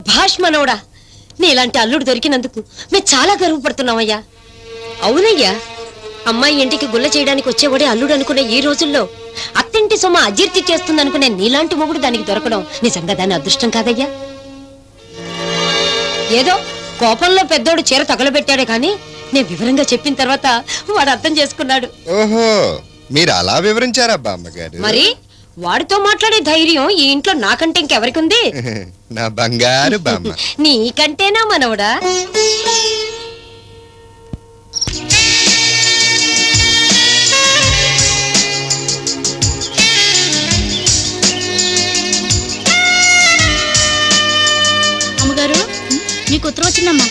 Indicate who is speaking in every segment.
Speaker 1: సభాష్ మనవడా, నీలాంటి అల్లుడు దొరికినందుకు మేము చాలా గర్వపడుతున్నామయ్యా. అవునయ్యా, అమ్మాయి ఇంటికి గుల్ల చేయడానికి వచ్చేవాడే అల్లుడు అనుకునే ఈ రోజుల్లో అత్తింటి సొమ్మ అజీర్తి చేస్తుందనుకునే నీలాంటి మొగుడు దానికి దొరకడం నిజంగా దాని అదృష్టం కాదయ్యా. ఏదో కోపంలో పెద్దోడు చీర తగలబెట్టాడే కానీ నేను వివరంగా చెప్పిన తర్వాత వాడు అర్థం చేసుకున్నాడు.
Speaker 2: ఓహో, మీరు అలా వివరించారా బామ్మగారు?
Speaker 1: మరి వాడితో మాట్లాడే ధైర్యం ఈ ఇంట్లో నాకంటే ఇంకెవరికి ఉంది?
Speaker 2: నా బంగారు బామ్మ.
Speaker 1: నీకంటేనా మనవడా?
Speaker 3: అమ్మగారు, నీకు ఉత్తరం వచ్చిందమ్మా.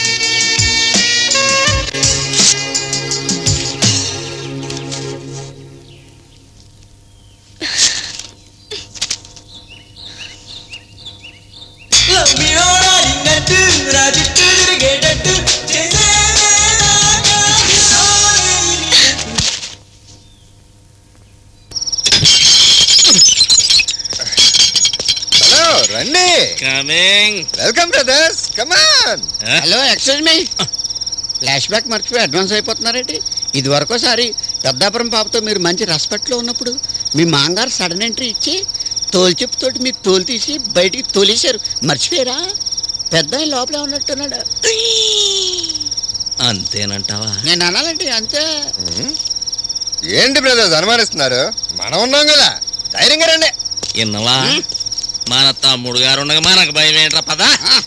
Speaker 2: హలో, రండి.
Speaker 4: Coming.
Speaker 2: Welcome brothers, come on.
Speaker 5: Hello, excuse me. Flashback మర్చిపోయి అడ్వాన్స్ అయిపోతున్నారేంటి? ఇది వరకోసారి పెద్దాపురం పాపతో మీరు మంచి రెస్పెక్ట్లో ఉన్నప్పుడు మీ మాంగారు సడన్ ఎంట్రీ ఇచ్చి తోలు చెప్పుతోటి మీ తోలు తీసి బయటికి తోలేశారు. మర్చిపోయారా? పెద్ద లోపలే ఉన్నట్టున్నాడు.
Speaker 4: అంతేనంటావా?
Speaker 5: నేను అనాలండి, అంతే.
Speaker 2: ఏంటి బ్రదర్స్ అనుమానిస్తున్నారు? మనం ఉన్నాం కదా, ధైర్యంగా రండి.
Speaker 4: ఇన్నవా? మన తమ్ముడు గారు ఉండగా మనకు భయం ఏంట్రా? పదా.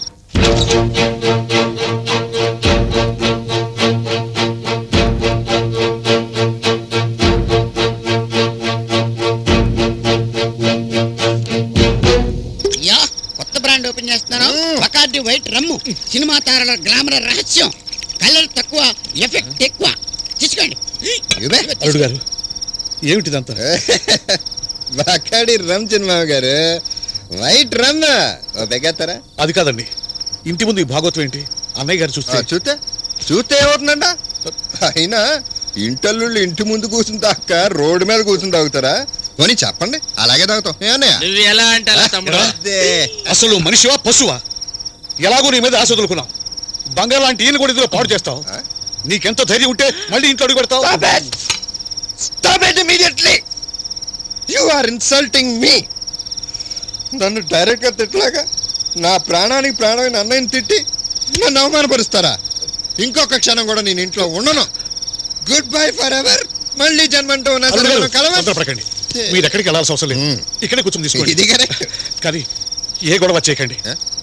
Speaker 5: యా, కొత్త బ్రాండ్ ఓపెన్ చేస్తున్నాను. Bacardi white rum. సినిమా తారల గ్లామర్ రహస్యం. కలర్ తక్కువ, ఎఫెక్ట్ ఎక్కువ. తీసుకోండి.
Speaker 6: అల్లుడు గారు, ఏమిటిదంతా?
Speaker 2: బాకాడి రమ్ చిన్నమామ గారు, వైట్ రమ్ బెగ్గేస్తారా?
Speaker 6: అది కాదండి, ఇంటి ముందు ఈ భాగవతం ఏంటి? అన్నయ్య గారు చూస్తే
Speaker 2: చూస్తే ఏమవుతుందంట? అయినా ఇంటల్లుళ్ళు ఇంటి ముందు కూర్చుని తాక రోడ్డు మీద కూర్చుని తాగుతారా? కొని చెప్పండి, అలాగే తాగుతాం.
Speaker 4: నువ్వు ఎలా అంటే తమ్ముడు?
Speaker 6: అసలు మనిషివా పశువా? ఎలాగో నీ మీద ఆశ వదులుకున్నావు. బంగారు లాంటి ఈయన కూడా ఇందులో పాడు చేస్తావు. నీకెంత ధైర్యం ఉంటే మళ్ళీ ఇంట్లో అడుగు పెడతావు?
Speaker 2: Stop it immediately! You are insulting me. నన్ను డైరెక్ట్గా తిట్టలాగా నా ప్రాణానికి ప్రాణమైన అన్నయ్యని తిట్టి నన్ను అవమానపరుస్తారా? ఇంకొక క్షణం కూడా నేను ఇంట్లో ఉండను. Goodbye forever. మళ్ళీ జన్మంటూ ఉన్నా
Speaker 6: కలవండి. మీరు ఎక్కడికి వెళ్ళాల్సిన అవసరం లేదు, ఇక్కడే కూర్చొని తీసుకోండి.
Speaker 2: ఇది కరెక్ట్.
Speaker 6: కానీ ఏ గొడవ చేయకండి.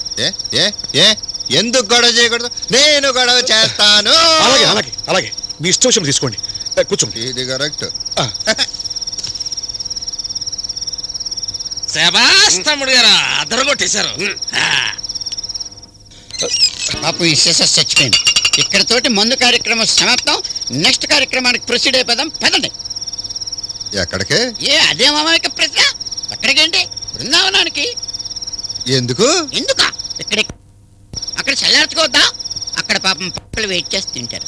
Speaker 2: ఎందుకు గొడవ చేయకూడదు? నేను గొడవ చేస్తాను.
Speaker 6: అలాగే అలాగే అలాగే మీ ఇష్టం తీసుకోండి, కూర్చోండి.
Speaker 2: ఇది కరెక్ట్.
Speaker 4: శభాష్ తమ్ముడు గారు, అదరగొట్టేశారు.
Speaker 5: పాపం ఈ సిస్టర్ చచ్చిపోయింది. ఇక్కడతోటి మందు కార్యక్రమం సమాప్తం. నెక్స్ట్ కార్యక్రమానికి ప్రొసీడ్ అయిపోదాం. పదండి.
Speaker 2: ఎక్కడికి?
Speaker 5: అదే మామయ్య ప్రశ్న. ఎక్కడికేంటి? బృందావనానికి.
Speaker 2: ఎందుకు?
Speaker 5: ఎందుకా? అక్కడ చల్లార్చుకోవద్దా? అక్కడ పాపం పక్కలు వెయిట్ చేసి తింటారు.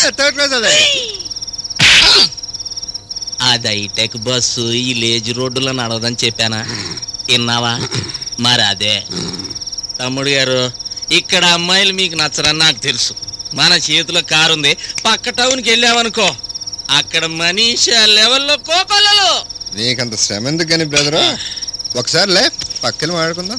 Speaker 4: అది హైటెక్ బస్సు ఈ లేజ్ రోడ్డులో నడవదని చెప్పానా? విన్నావా? మరి అదే తమ్ముడు గారు, ఇక్కడ అమ్మాయిలు మీకు నచ్చరని నాకు తెలుసు. మన చేతిలో కారు ఉంది, పక్క టౌన్కి వెళ్ళామనుకో, అక్కడ మనీషా లెవెల్లో కోకొల్లలు.
Speaker 2: నీకంత శ్రమ ఎందుకు కానీ బ్రదరు? ఒకసారి లే, పక్కన మాట్లాడుకుందాం.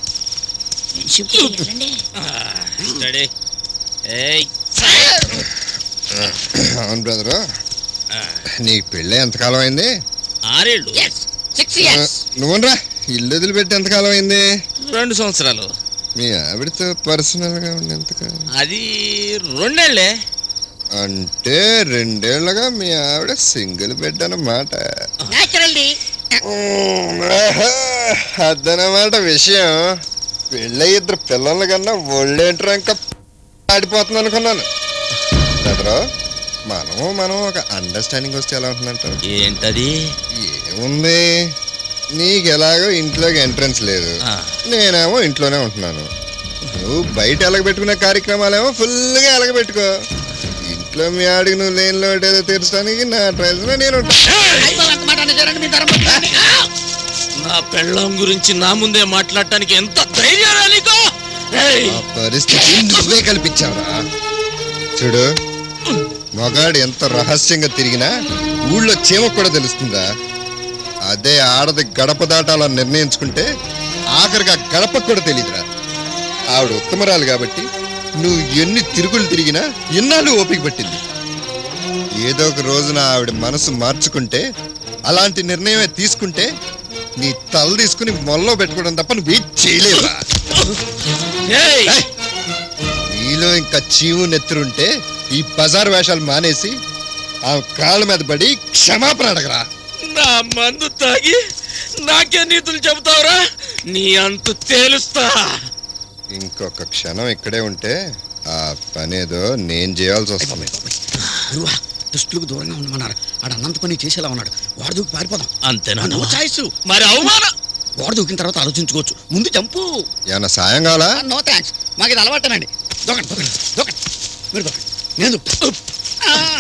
Speaker 2: అవును బ్రదరు, నీ పెళ్ళి ఎంతకాలం అయింది?
Speaker 4: 6 ఏళ్ళు.
Speaker 2: నువ్వురా, ఇల్లు వదిలిపెట్టి ఎంతకాలం అయింది?
Speaker 4: 2 సంవత్సరాలు.
Speaker 2: మీ ఆవిడతో పర్సనల్ గా ఉండి ఎంతకాలం?
Speaker 4: అది 2 ఏళ్లే.
Speaker 2: అంటే 2 ఏళ్లుగా మీ ఆవిడ సింగిల్ బెడ్ అన్నమాట. అదనమాట విషయం. పెళ్ళి 2 పిల్లల కన్నా ఒళ్ళేంట్రా ఇంకా ఆడిపోతుంది అనుకున్నాను. బ్రదరు, మనం ఒక అండర్స్టాండింగ్ వస్తే ఎలా ఉంటుందంటారు?
Speaker 4: ఏంటది?
Speaker 2: ఏముంది, నీకు ఎలాగో ఇంట్లోకి ఎంట్రన్స్ లేదు, నేనేమో ఇంట్లోనే ఉంటున్నాను. నువ్వు బయట ఎలగబెట్టుకునే కార్యక్రమాలేమో ఫుల్గా ఎలగబెట్టుకో. ఇంట్లో మీ ఆడికి నువ్వు లేని లోటు ఏదో తీర్చడానికి నా ట్రైల్స్ లో నేను
Speaker 4: నా పెళ్ళం గురించి నా ముందే మాట్లాడటానికి ఎంత ధైర్యం నీకు? ఏయ్!
Speaker 2: ఆ పరిస్థితి నువ్వే కల్పించావురా. చూడు, మగాడు ఎంత రహస్యంగా తిరిగినా ఊళ్ళో చీమ కూడా తెలుస్తుందా. అదే ఆడది గడప దాటాలని నిర్ణయించుకుంటే ఆఖరికి ఆ గడప కూడా తెలియదురా. ఆవిడ ఉత్తమరాలు కాబట్టి నువ్వు ఎన్ని తిరుగులు తిరిగినా ఇన్నాళ్ళు ఓపిక పట్టింది. ఏదో ఒక రోజున ఆవిడ మనసు మార్చుకుంటే, అలాంటి నిర్ణయమే తీసుకుంటే నీ తల తీసుకుని మొల్లో పెట్టుకోవడం తప్ప నువ్వు ఏం చేయలేవా.
Speaker 4: ఏయ్!
Speaker 2: ఏయ్! నీలో ఇంకా చీము నెత్తురుంటే ఈ బజార్ వేషాలు మానేసి ఆ కాళ్ళ మీద పడి క్షమాపణ అడగరా.
Speaker 4: నా మందు తాగి నాకే నీతులు చెబుతావురా? నీ అంతు తేలుస్తా.
Speaker 2: ఇంకొక క్షణం ఇక్కడే ఉంటే ఆ పనేదో నేను చేయాల్సి వస్తుంది.
Speaker 5: గురువా, దుష్టులకు దూరంగా ఉండమన్నారు. ఆడు అన్నంత పని చేసేలా ఉన్నాడు. వాడు దూకి పారిపోదాం.
Speaker 4: అంతేనా?
Speaker 5: No choice.
Speaker 4: మరి అవమానం.
Speaker 5: వాడు దూకిన తర్వాత ఆలోచించుకోవచ్చు. ముందు చంపు.
Speaker 2: ఏమన్నా సాయం కావాలా?
Speaker 5: నో థ్యాంక్స్, మాకు ఇది అలవాటేనండి. దూకండి దూకండి దూకండి, మీరు దూకండి, నేను దూకుతా.